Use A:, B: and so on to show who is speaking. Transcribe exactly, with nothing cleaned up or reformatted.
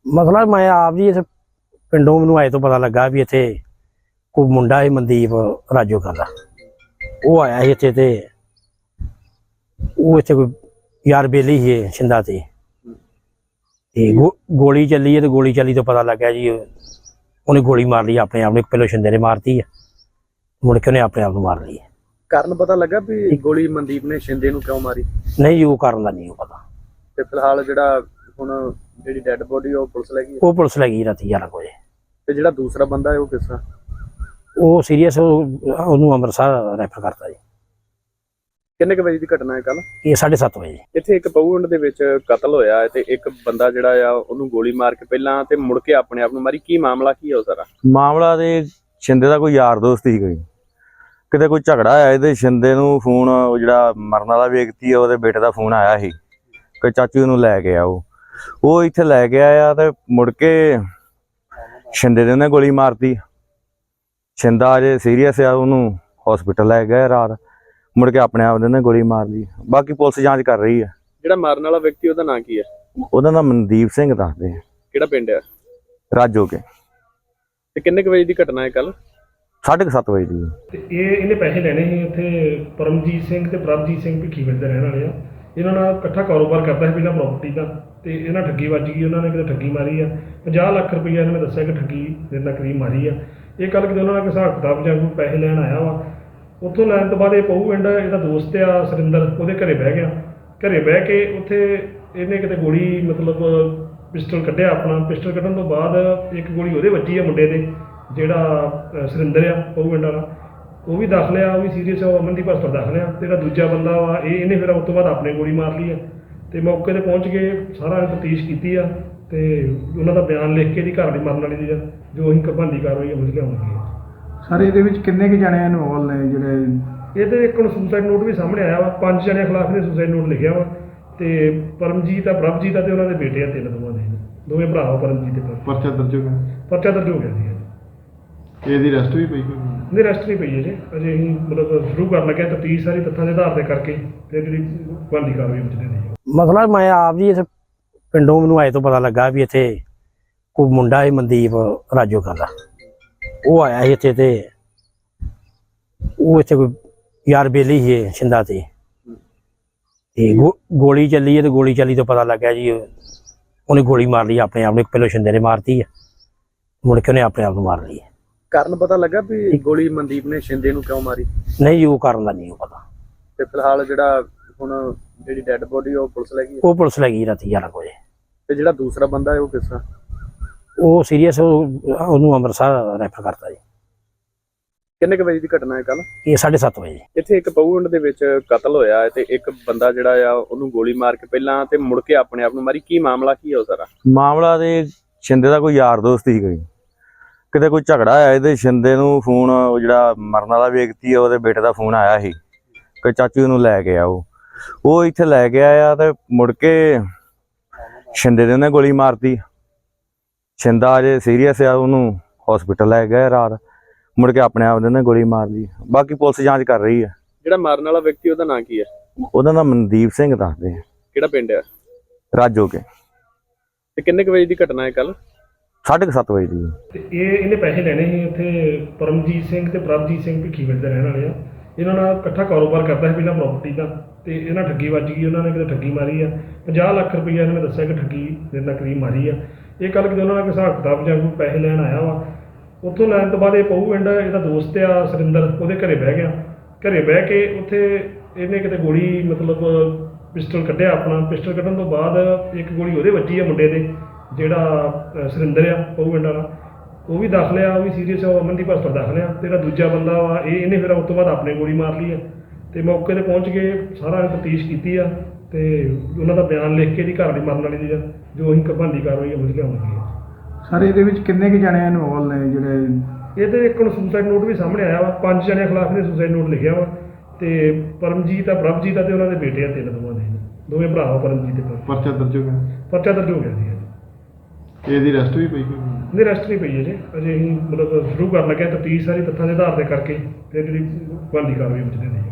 A: ਮਸਲਾ ਮੈਂ ਆਪ ਜੀ ਇੱਥੇ ਪਿੰਡੋਂ ਮੈਨੂੰ ਆਏ ਤੋਂ ਪਤਾ ਲੱਗਾ ਵੀ ਇੱਥੇ ਕੋਈ ਮੁੰਡਾ ਹੈ ਮਨਦੀਪ ਰਾਜੋਕਾ ਦਾ। ਉਹ ਆਇਆ ਸੀ ਇੱਥੇ ਤੇ ਉਹ ਇੱਥੇ ਕੋਈ ਯਾਰ ਬੇਲੀ ਸੀ ਛਿੰਦਾ ਤੇ ਤੇ ਗੋਲੀ ਚੱਲੀ ਹੈ ਤੇ ਗੋਲੀ ਚੱਲੀ ਤੋਂ ਪਤਾ ਲੱਗਾ ਜੀ ਉਹਨੇ ਗੋਲੀ ਮਾਰ ਲਈ ਆਪਣੇ ਆਪ ਨੂੰ। ਪਹਿਲੋਂ ਛਿੰਦੇ ਨੇ ਮਾਰਤੀ ਹੈ, ਮੁੜ ਕੇ ਉਹਨੇ ਆਪਣੇ ਆਪ ਨੂੰ ਮਾਰ ਲਈ।
B: ਕਾਰਨ ਪਤਾ ਲੱਗਾ ਵੀ ਗੋਲੀ ਮਨਦੀਪ ਨੇ ਛਿੰਦੇ ਨੂੰ ਕਿਉਂ ਮਾਰੀ?
A: ਨਹੀਂ ਜੀ, ਉਹ ਕਾਰਨ ਦਾ ਨਹੀਂ ਉਹ ਪਤਾ।
B: ਤੇ ਫਿਲਹਾਲ ਜਿਹੜਾ ਹੁਣ ਜਿਹੜੀ ਡੈੱਡ ਬੋਡੀ ਉਹ ਪੁਲਿਸ ਲੈ ਗਈ?
A: ਉਹ ਪੁਲਿਸ ਲੈ ਗਈ ਰਾਤੀ ਗਿਆਰਾਂ ਵਜੇ।
B: ਤੇ ਜਿਹੜਾ ਦੂਸਰਾ ਬੰਦਾ ਹੈ ਉਹ ਕਿਸ ਤਰ੍ਹਾਂ?
A: ਉਹ ਸੀਰੀਅਸ, ਉਹਨੂੰ ਅੰਮ੍ਰਿਤਸਰ ਰੈਫਰ ਕਰਤਾ ਜੀ।
B: ਕਿੰਨੇ ਕੁ ਵਜੇ ਦੀ ਘਟਨਾ ਹੈ ਕੱਲ?
A: ਇਹ ਸਾਢੇ ਸੱਤ ਵਜੇ।
B: ਇੱਥੇ ਇੱਕ ਪਊਂਡ ਦੇ ਵਿੱਚ ਕਤਲ ਹੋਇਆ ਹੈ ਤੇ ਇੱਕ ਬੰਦਾ ਜਿਹੜਾ ਆ ਉਹਨੂੰ ਗੋਲੀ ਮਾਰ ਕੇ ਪਹਿਲਾਂ ਤੇ ਮੁੜ ਕੇ ਆਪਣੇ ਆਪ ਨੂੰ ਮਾਰੀ। ਕੀ ਮਾਮਲਾ ਕੀ ਹੈ ਉਹ ਸਾਰਾ?
C: ਮਾਮਲਾ ਤੇ ਛਿੰਦੇ ਦਾ ਕੋਈ ਯਾਰ ਦੋਸਤ ਸੀ, ਕੋਈ ਕਿਤੇ ਕੋਈ ਝਗੜਾ ਆਇਆ ਇਹਦੇ ਛਿੰਦੇ ਨੂੰ ਫੋਨ, ਜਿਹੜਾ ਮਰਨ ਵਾਲਾ ਵਿਅਕਤੀ ਹੈ ਉਹਦੇ ਬੇਟੇ ਦਾ ਫੋਨ ਆਇਆ ਸੀ ਕਿ ਚਾਚੂ ਨੂੰ ਲੈ ਕੇ ਆਓ। ਉਹ ਇੱਥੇ ਲੈ ਕੇ ਆਇਆ ਤੇ ਮੁੜ ਕੇ ਛਿੰਦੇ ਦੇ ਉਹਨੇ ਗੋਲੀ ਮਾਰਤੀ। ਛਿੰਦਾ ਅਜੇ ਸੀਰੀਅਸ ਆ, ਉਹਨੂੰ ਹਸਪੀਟਲ ਲੈ ਗਏ ਰਾਤ, ਮੁੜ ਕੇ ਆਪਣੇ ਆਪ ਦੇ ਉਹਨੇ ਗੋਲੀ ਮਾਰ ਲਈ। ਬਾਕੀ ਪੁਲਿਸ ਜਾਂਚ ਕਰ ਰਹੀ ਹੈ।
B: ਜਿਹੜਾ ਮਾਰਨ ਵਾਲਾ ਵਿਅਕਤੀ ਉਹਦਾ ਨਾਂ ਕੀ ਹੈ?
C: ਉਹਦਾ ਨਾਮ ਮਨਦੀਪ ਸਿੰਘ ਦੱਸਦੇ ਆ।
B: ਕਿਹੜਾ ਪਿੰਡ ਹੈ?
C: ਰਾਜੋ ਕੇ।
B: ਤੇ ਕਿੰਨੇ ਕੁ ਵਜੇ ਦੀ ਘਟਨਾ ਹੈ ਕੱਲ?
C: ਸਾਢੇ ਕੁ ਸੱਤ ਵਜੇ ਦੀ।
D: ਤੇ ਇਹ ਇਹਨੇ ਪੈਸੇ ਲੈਣੇ ਸੀ ਉੱਥੇ। ਪਰਮਜੀਤ ਸਿੰਘ ਤੇ ਪ੍ਰਭਜੀਤ ਸਿੰਘ ਭਿੱਖੀਵਿੰਡ ਦੇ ਰਹਿਣ ਵਾਲੇ ਆ। ਇਹਨਾਂ ਨਾਲ ਇਕੱਠਾ ਕਾਰੋਬਾਰ ਕਰਦਾ ਸੀ ਪਹਿਲਾਂ ਪ੍ਰਾਪਰਟੀ ਦਾ, ਤੇ ਇਹਨਾਂ ਠੱਗੀ ਵੱਜ ਗਈ। ਉਹਨਾਂ ਨੇ ਕਿਤੇ ਠੱਗੀ ਮਾਰੀ ਆ, ਪੰਜਾਹ ਲੱਖ ਰੁਪਈਆ ਇਹਨਾਂ ਨੇ ਦੱਸਿਆ ਕਿ ਠੱਗੀ ਦੇ ਨਾਲ ਕਰੀਬ ਮਾਰੀ ਆ। ਇਹ ਕੱਲ੍ਹ ਕਿਤੇ ਉਹਨਾਂ ਨੇ ਹਿਸਾਬ ਕਿਤਾਬ ਜਾਂ ਕੋਈ ਪੈਸੇ ਲੈਣ ਆਇਆ ਵਾ। ਉੱਥੋਂ ਲੈਣ ਤੋਂ ਬਾਅਦ ਇਹ ਪਊ ਪਿੰਡ ਇਹਦਾ ਦੋਸਤ ਆ ਸੁਰਿੰਦਰ, ਉਹਦੇ ਘਰੇ ਬਹਿ ਗਿਆ। ਘਰੇ ਬਹਿ ਕੇ ਉੱਥੇ ਇਹਨੇ ਕਿਤੇ ਗੋਲੀ, ਮਤਲਬ ਪਿਸਟਲ ਕੱਢਿਆ ਆਪਣਾ। ਪਿਸਟਲ ਕੱਢਣ ਤੋਂ ਬਾਅਦ ਇੱਕ ਗੋਲੀ ਉਹਦੇ ਵੱਜੀ ਆ ਮੁੰਡੇ ਦੇ, ਜਿਹੜਾ ਸੁਰਿੰਦਰ ਆ ਪਊ ਪਿੰਡ ਵਾਲਾ। ਉਹ ਵੀ ਦਾਖਲ ਆ, ਉਹ ਵੀ ਸੀਰੀਅਸ ਆ, ਉਹ ਅਮਨਦੀਪ ਹਸਪਤਾਲ ਦਾਖਲ ਆ। ਤੇ ਜਿਹੜਾ ਦੂਜਾ ਬੰਦਾ ਵਾ ਇਹ ਇਹਨੇ ਫਿਰ ਉਸ ਤੋਂ ਬਾਅਦ ਆਪਣੇ ਗੋਲੀ ਮਾਰ ਲਈ ਆ। ਤੇ ਮੌਕੇ 'ਤੇ ਪਹੁੰਚ ਕੇ ਸਾਰਾ ਤਫਤੀਸ਼ ਕੀਤੀ ਆ ਤੇ ਉਹਨਾਂ ਦਾ ਬਿਆਨ ਲਿਖ ਕੇ ਇਹਦੀ ਘਰ ਵਾਲੀ ਮਰਨ ਵਾਲੀ ਦੀ ਜੋ ਅਸੀਂ ਬਣਦੀ ਕਾਰਵਾਈ ਅਮਲ 'ਚ ਲਿਆਉਣੀ ਹੈ।
E: ਸਰ ਇਹਦੇ ਵਿੱਚ ਕਿੰਨੇ ਕੁ ਜਣੇ ਇਨਵੋਲ ਨੇ ਜਿਹੜੇ?
D: ਇਹਦੇ ਇੱਕ ਹੁਣ ਸੁਸਾਈਡ ਨੋਟ ਵੀ ਸਾਹਮਣੇ ਆਇਆ ਵਾ। ਪੰਜ ਜਣਿਆਂ ਖਿਲਾਫ ਇਹਨੇ ਸੁਸਾਈਡ ਨੋਟ ਲਿਖਿਆ ਵਾ। ਤੇ ਪਰਮਜੀਤ ਆ, ਪ੍ਰਭਜੀਤ ਆ ਤੇ ਉਹਨਾਂ ਦੇ ਬੇਟੇ ਆ, ਤਿੰਨ ਦੋਵਾਂ ਦੇ, ਦੋਵੇਂ ਭਰਾ ਵਾ ਪਰਮਜੀਤ ਤੇ।
E: ਪਰਚਾ ਦਰਜ ਹੋ ਗਿਆ?
D: ਪਰਚਾ ਦਰਜ ਹੋ ਗਿਆ ਸੀ।
E: ਇਹਦੀ ਰੈਸਟ ਵੀ ਪਈ?
D: ਨਹੀਂ, ਰੈਸਟ ਨਹੀਂ ਪਈ ਹੈ ਜੀ ਅਜੇ। ਅਸੀਂ ਮਤਲਬ ਸ਼ੁਰੂ ਕਰਨ ਲੱਗੇ ਤਫਤੀਸ਼ ਸਾਰੀ ਤੱਥਾਂ ਦੇ ਆਧਾਰ ਤੇ ਕਰਕੇ ਫਿਰ ਜਿਹੜੀ ਬਣਦੀ ਕਾਰਵਾਈ ਵਿੱਚ ਦੇ ਰਹੀ ਹੈ।
A: ਮਸਲਾ ਮੈਂ ਆਪ ਜੀ ਇੱਥੇ ਪਿੰਡੋਂ ਮੈਨੂੰ ਆਏ ਤੋਂ ਪਤਾ ਲੱਗਾ ਵੀ ਇੱਥੇ ਕੋਈ ਮੁੰਡਾ ਹੈ ਮਨਦੀਪ ਰਾਜੋਕਾ ਦਾ। ਉਹ ਆਇਆ ਸੀ ਇੱਥੇ ਤੇ ਉਹ ਇੱਥੇ ਕੋਈ ਯਾਰ ਬੇਲੀ ਸੀ ਛਿੰਦਾ ਤੇ ਤੇ ਗੋਲੀ ਚੱਲੀ ਹੈ ਤੇ ਗੋਲੀ ਚੱਲੀ ਤੋਂ ਪਤਾ ਲੱਗਾ ਜੀ ਉਹਨੇ ਗੋਲੀ ਮਾਰ ਲਈ ਆਪਣੇ ਆਪ ਨੂੰ। ਪਹਿਲੋਂ ਛਿੰਦੇ ਨੇ ਮਾਰਤੀ ਹੈ, ਮੁੜ ਕੇ ਉਹਨੇ ਆਪਣੇ ਆਪ ਨੂੰ ਮਾਰ ਲਈ।
B: ਕਾਰਨ ਪਤਾ ਲੱਗਾ ਵੀ ਗੋਲੀ ਮਨਦੀਪ ਨੇ ਛਿੰਦੇ ਨੂੰ ਕਿਉਂ ਮਾਰੀ?
A: ਨਹੀਂ ਜੀ, ਉਹ ਕਾਰਨ ਦਾ ਨਹੀਂ ਉਹ ਪਤਾ।
B: ਤੇ ਫਿਲਹਾਲ ਜਿਹੜਾ ਹੁਣ ਜਿਹੜੀ ਡੈੱਡ ਬੋਡੀ ਉਹ ਪੁਲਿਸ ਲੈ ਗਈ?
A: ਉਹ ਪੁਲਿਸ ਲੈ ਗਈ ਰਾਤੀ ਗਿਆਰਾਂ ਵਜੇ।
B: ਤੇ ਜਿਹੜਾ ਦੂਸਰਾ ਬੰਦਾ ਹੈ ਉਹ ਕਿਸ ਤਰ੍ਹਾਂ?
A: ਉਹ ਸੀਰੀਅਸ, ਉਹਨੂੰ ਅੰਮ੍ਰਿਤਸਰ ਰੈਫਰ ਕਰਤਾ ਜੀ।
B: ਕਿੰਨੇ ਕੁ ਵਜੇ ਦੀ ਘਟਨਾ ਹੈ ਕੱਲ?
A: ਇਹ ਸਾਢੇ ਸੱਤ ਵਜੇ।
B: ਇੱਥੇ ਇੱਕ ਪਊਂਡ ਦੇ ਵਿੱਚ ਕਤਲ ਹੋਇਆ ਹੈ ਤੇ ਇੱਕ ਬੰਦਾ ਜਿਹੜਾ ਆ ਉਹਨੂੰ ਗੋਲੀ ਮਾਰ ਕੇ ਪਹਿਲਾਂ ਤੇ ਮੁੜ ਕੇ ਆਪਣੇ ਆਪ ਨੂੰ ਮਾਰੀ। ਕੀ ਮਾਮਲਾ ਕੀ ਹੈ ਉਹ ਸਾਰਾ?
C: ਮਾਮਲਾ ਤੇ ਛਿੰਦੇ ਦਾ ਕੋਈ ਯਾਰ ਦੋਸਤ ਸੀ, ਕੋਈ ਕਿਤੇ ਕੋਈ ਝਗੜਾ ਆਇਆ ਇਹਦੇ ਛਿੰਦੇ ਨੂੰ ਫੋਨ, ਜਿਹੜਾ ਮਰਨ ਵਾਲਾ ਵਿਅਕਤੀ ਹੈ ਉਹਦੇ ਬੇਟੇ ਦਾ ਫੋਨ ਆਇਆ ਸੀ ਕਿ ਚਾਚੂ ਨੂੰ ਲੈ ਕੇ ਆਓ। ਉਹ ਇੱਥੇ ਲੈ ਕੇ ਆਇਆ ਤੇ ਮੁੜ ਕੇ ਛਿੰਦੇ ਦੇ ਉਹਨੇ ਗੋਲੀ ਮਾਰਤੀ। ਛਿੰਦਾ ਅਜੇ ਸੀਰੀਅਸ ਆ, ਉਹਨੂੰ ਹਸਪੀਟਲ ਲੈ ਗਏ ਰਾਤ, ਮੁੜ ਕੇ ਆਪਣੇ ਆਪ ਦੇ ਉਹਨੇ ਗੋਲੀ ਮਾਰ ਲਈ। ਬਾਕੀ ਪੁਲਿਸ ਜਾਂਚ ਕਰ ਰਹੀ ਹੈ।
B: ਜਿਹੜਾ ਮਾਰਨ ਵਾਲਾ ਵਿਅਕਤੀ ਉਹਦਾ ਨਾਂ ਕੀ ਹੈ?
C: ਉਹਦਾ ਨਾਮ ਮਨਦੀਪ ਸਿੰਘ ਦੱਸਦੇ ਆ।
B: ਕਿਹੜਾ ਪਿੰਡ ਹੈ?
C: ਰਾਜੋ ਕੇ।
B: ਤੇ ਕਿੰਨੇ ਕੁ ਵਜੇ ਦੀ ਘਟਨਾ ਹੈ ਕੱਲ?
C: ਸਾਢੇ ਕੁ ਸੱਤ ਵਜੇ ਦੀ।
D: ਤੇ ਇਹ ਇਹਨੇ ਪੈਸੇ ਲੈਣੇ ਸੀ ਉੱਥੇ। ਪਰਮਜੀਤ ਸਿੰਘ ਤੇ ਪ੍ਰਭਜੀਤ ਸਿੰਘ ਭਿੱਖੀਵਿੰਡ ਦੇ ਰਹਿਣ ਵਾਲੇ ਆ। ਇਹਨਾਂ ਨਾਲ ਇਕੱਠਾ ਕਾਰੋਬਾਰ ਕਰਦਾ ਸੀ ਪਹਿਲਾਂ ਪ੍ਰਾਪਰਟੀ ਦਾ, ਤੇ ਇਹਨਾਂ ਠੱਗੀ ਵੱਜ ਗਈ। ਉਹਨਾਂ ਨੇ ਕਿਤੇ ਠੱਗੀ ਮਾਰੀ ਆ, ਪੰਜਾਹ ਲੱਖ ਰੁਪਈਆ ਇਹਨਾਂ ਨੇ ਦੱਸਿਆ ਕਿ ਠੱਗੀ ਦੇ ਨਾਲ ਕਰੀਬ ਮਾਰੀ ਆ। ਇਹ ਕੱਲ੍ਹ ਕਿਤੇ ਉਹਨਾਂ ਨੇ ਹਿਸਾਬ ਕਿਤਾਬ ਜਾਂ ਕੋਈ ਪੈਸੇ ਲੈਣ ਆਇਆ ਵਾ। ਉੱਥੋਂ ਲੈਣ ਤੋਂ ਬਾਅਦ ਇਹ ਪਊ ਪਿੰਡ ਇਹਦਾ ਦੋਸਤ ਆ ਸੁਰਿੰਦਰ, ਉਹਦੇ ਘਰੇ ਬਹਿ ਗਿਆ। ਘਰੇ ਬਹਿ ਕੇ ਉੱਥੇ ਇਹਨੇ ਕਿਤੇ ਗੋਲੀ, ਮਤਲਬ ਪਿਸਟਲ ਕੱਢਿਆ ਆਪਣਾ। ਪਿਸਟਲ ਕੱਢਣ ਤੋਂ ਬਾਅਦ ਇੱਕ ਗੋਲੀ ਉਹਦੇ ਵੱਜੀ ਆ ਮੁੰਡੇ ਦੇ, ਜਿਹੜਾ ਸੁਰਿੰਦਰ ਆ ਪਊ ਪਿੰਡ ਵਾਲਾ। ਉਹ ਵੀ ਦਾਖਲ ਆ, ਉਹ ਵੀ ਸੀਰੀਅਸ ਆ, ਉਹ ਅਮਨਦੀਪ ਹਸਪਤਾਲ ਦਾਖਲ ਆ। ਤੇ ਜਿਹੜਾ ਦੂਜਾ ਬੰਦਾ ਵਾ ਇਹ ਇਹਨੇ ਫਿਰ ਉਸ ਤੋਂ ਬਾਅਦ ਆਪਣੇ ਗੋਲੀ ਮਾਰ ਲਈ ਆ। ਤੇ ਮੌਕੇ 'ਤੇ ਪਹੁੰਚ ਕੇ ਸਾਰਾ ਤਫਤੀਸ਼ ਕੀਤੀ ਆ ਤੇ ਉਹਨਾਂ ਦਾ ਬਿਆਨ ਲਿਖ ਕੇ ਇਹਦੀ ਘਰ ਵਾਲੀ ਮਰਨ ਵਾਲੀ ਦੀ ਜੋ ਅਸੀਂ ਬਣਦੀ ਕਾਰਵਾਈ ਅਮਲ 'ਚ ਲਿਆਉਣੀ ਹੈ।
E: ਸਰ ਇਹਦੇ ਵਿੱਚ ਕਿੰਨੇ ਕੁ ਜਣੇ ਇਨਵੋਲ ਨੇ ਜਿਹੜੇ?
D: ਇਹਦੇ ਇੱਕ ਹੁਣ ਸੁਸਾਈਡ ਨੋਟ ਵੀ ਸਾਹਮਣੇ ਆਇਆ ਵਾ। ਪੰਜ ਜਣਿਆਂ ਖਿਲਾਫ ਇਹਨੇ ਸੁਸਾਈਡ ਨੋਟ ਲਿਖਿਆ ਵਾ। ਤੇ ਪਰਮਜੀਤ ਆ, ਪ੍ਰਭਜੀਤ ਆ ਤੇ ਉਹਨਾਂ ਦੇ ਬੇਟੇ ਆ, ਤਿੰਨ ਦੋਵਾਂ ਦੇ, ਦੋਵੇਂ ਭਰਾ ਵਾ ਪਰਮਜੀਤ ਤੇ।
E: ਪਰਚਾ ਦਰਜ ਹੋ ਗਿਆ?
D: ਪਰਚਾ ਦਰਜ ਹੋ ਗਿਆ ਸੀ।
E: ਇਹਦੀ ਰੈਸਟ ਵੀ ਪਈ?
D: ਨਹੀਂ, ਰੈਸਟ ਨਹੀਂ ਪਈ ਹੈ ਜੀ ਅਜੇ। ਅਸੀਂ ਮਤਲਬ ਸ਼ੁਰੂ ਕਰਨ ਲੱਗੇ ਤਫਤੀਸ਼ ਸਾਰੀ ਤੱਥਾਂ ਦੇ ਆਧਾਰ ਤੇ ਕਰਕੇ ਫਿਰ ਜਿਹੜੀ ਬਣਦੀ ਕਾਰਵਾਈ ਵਿੱਚ ਦੇ ਰਹੀ ਹੈ।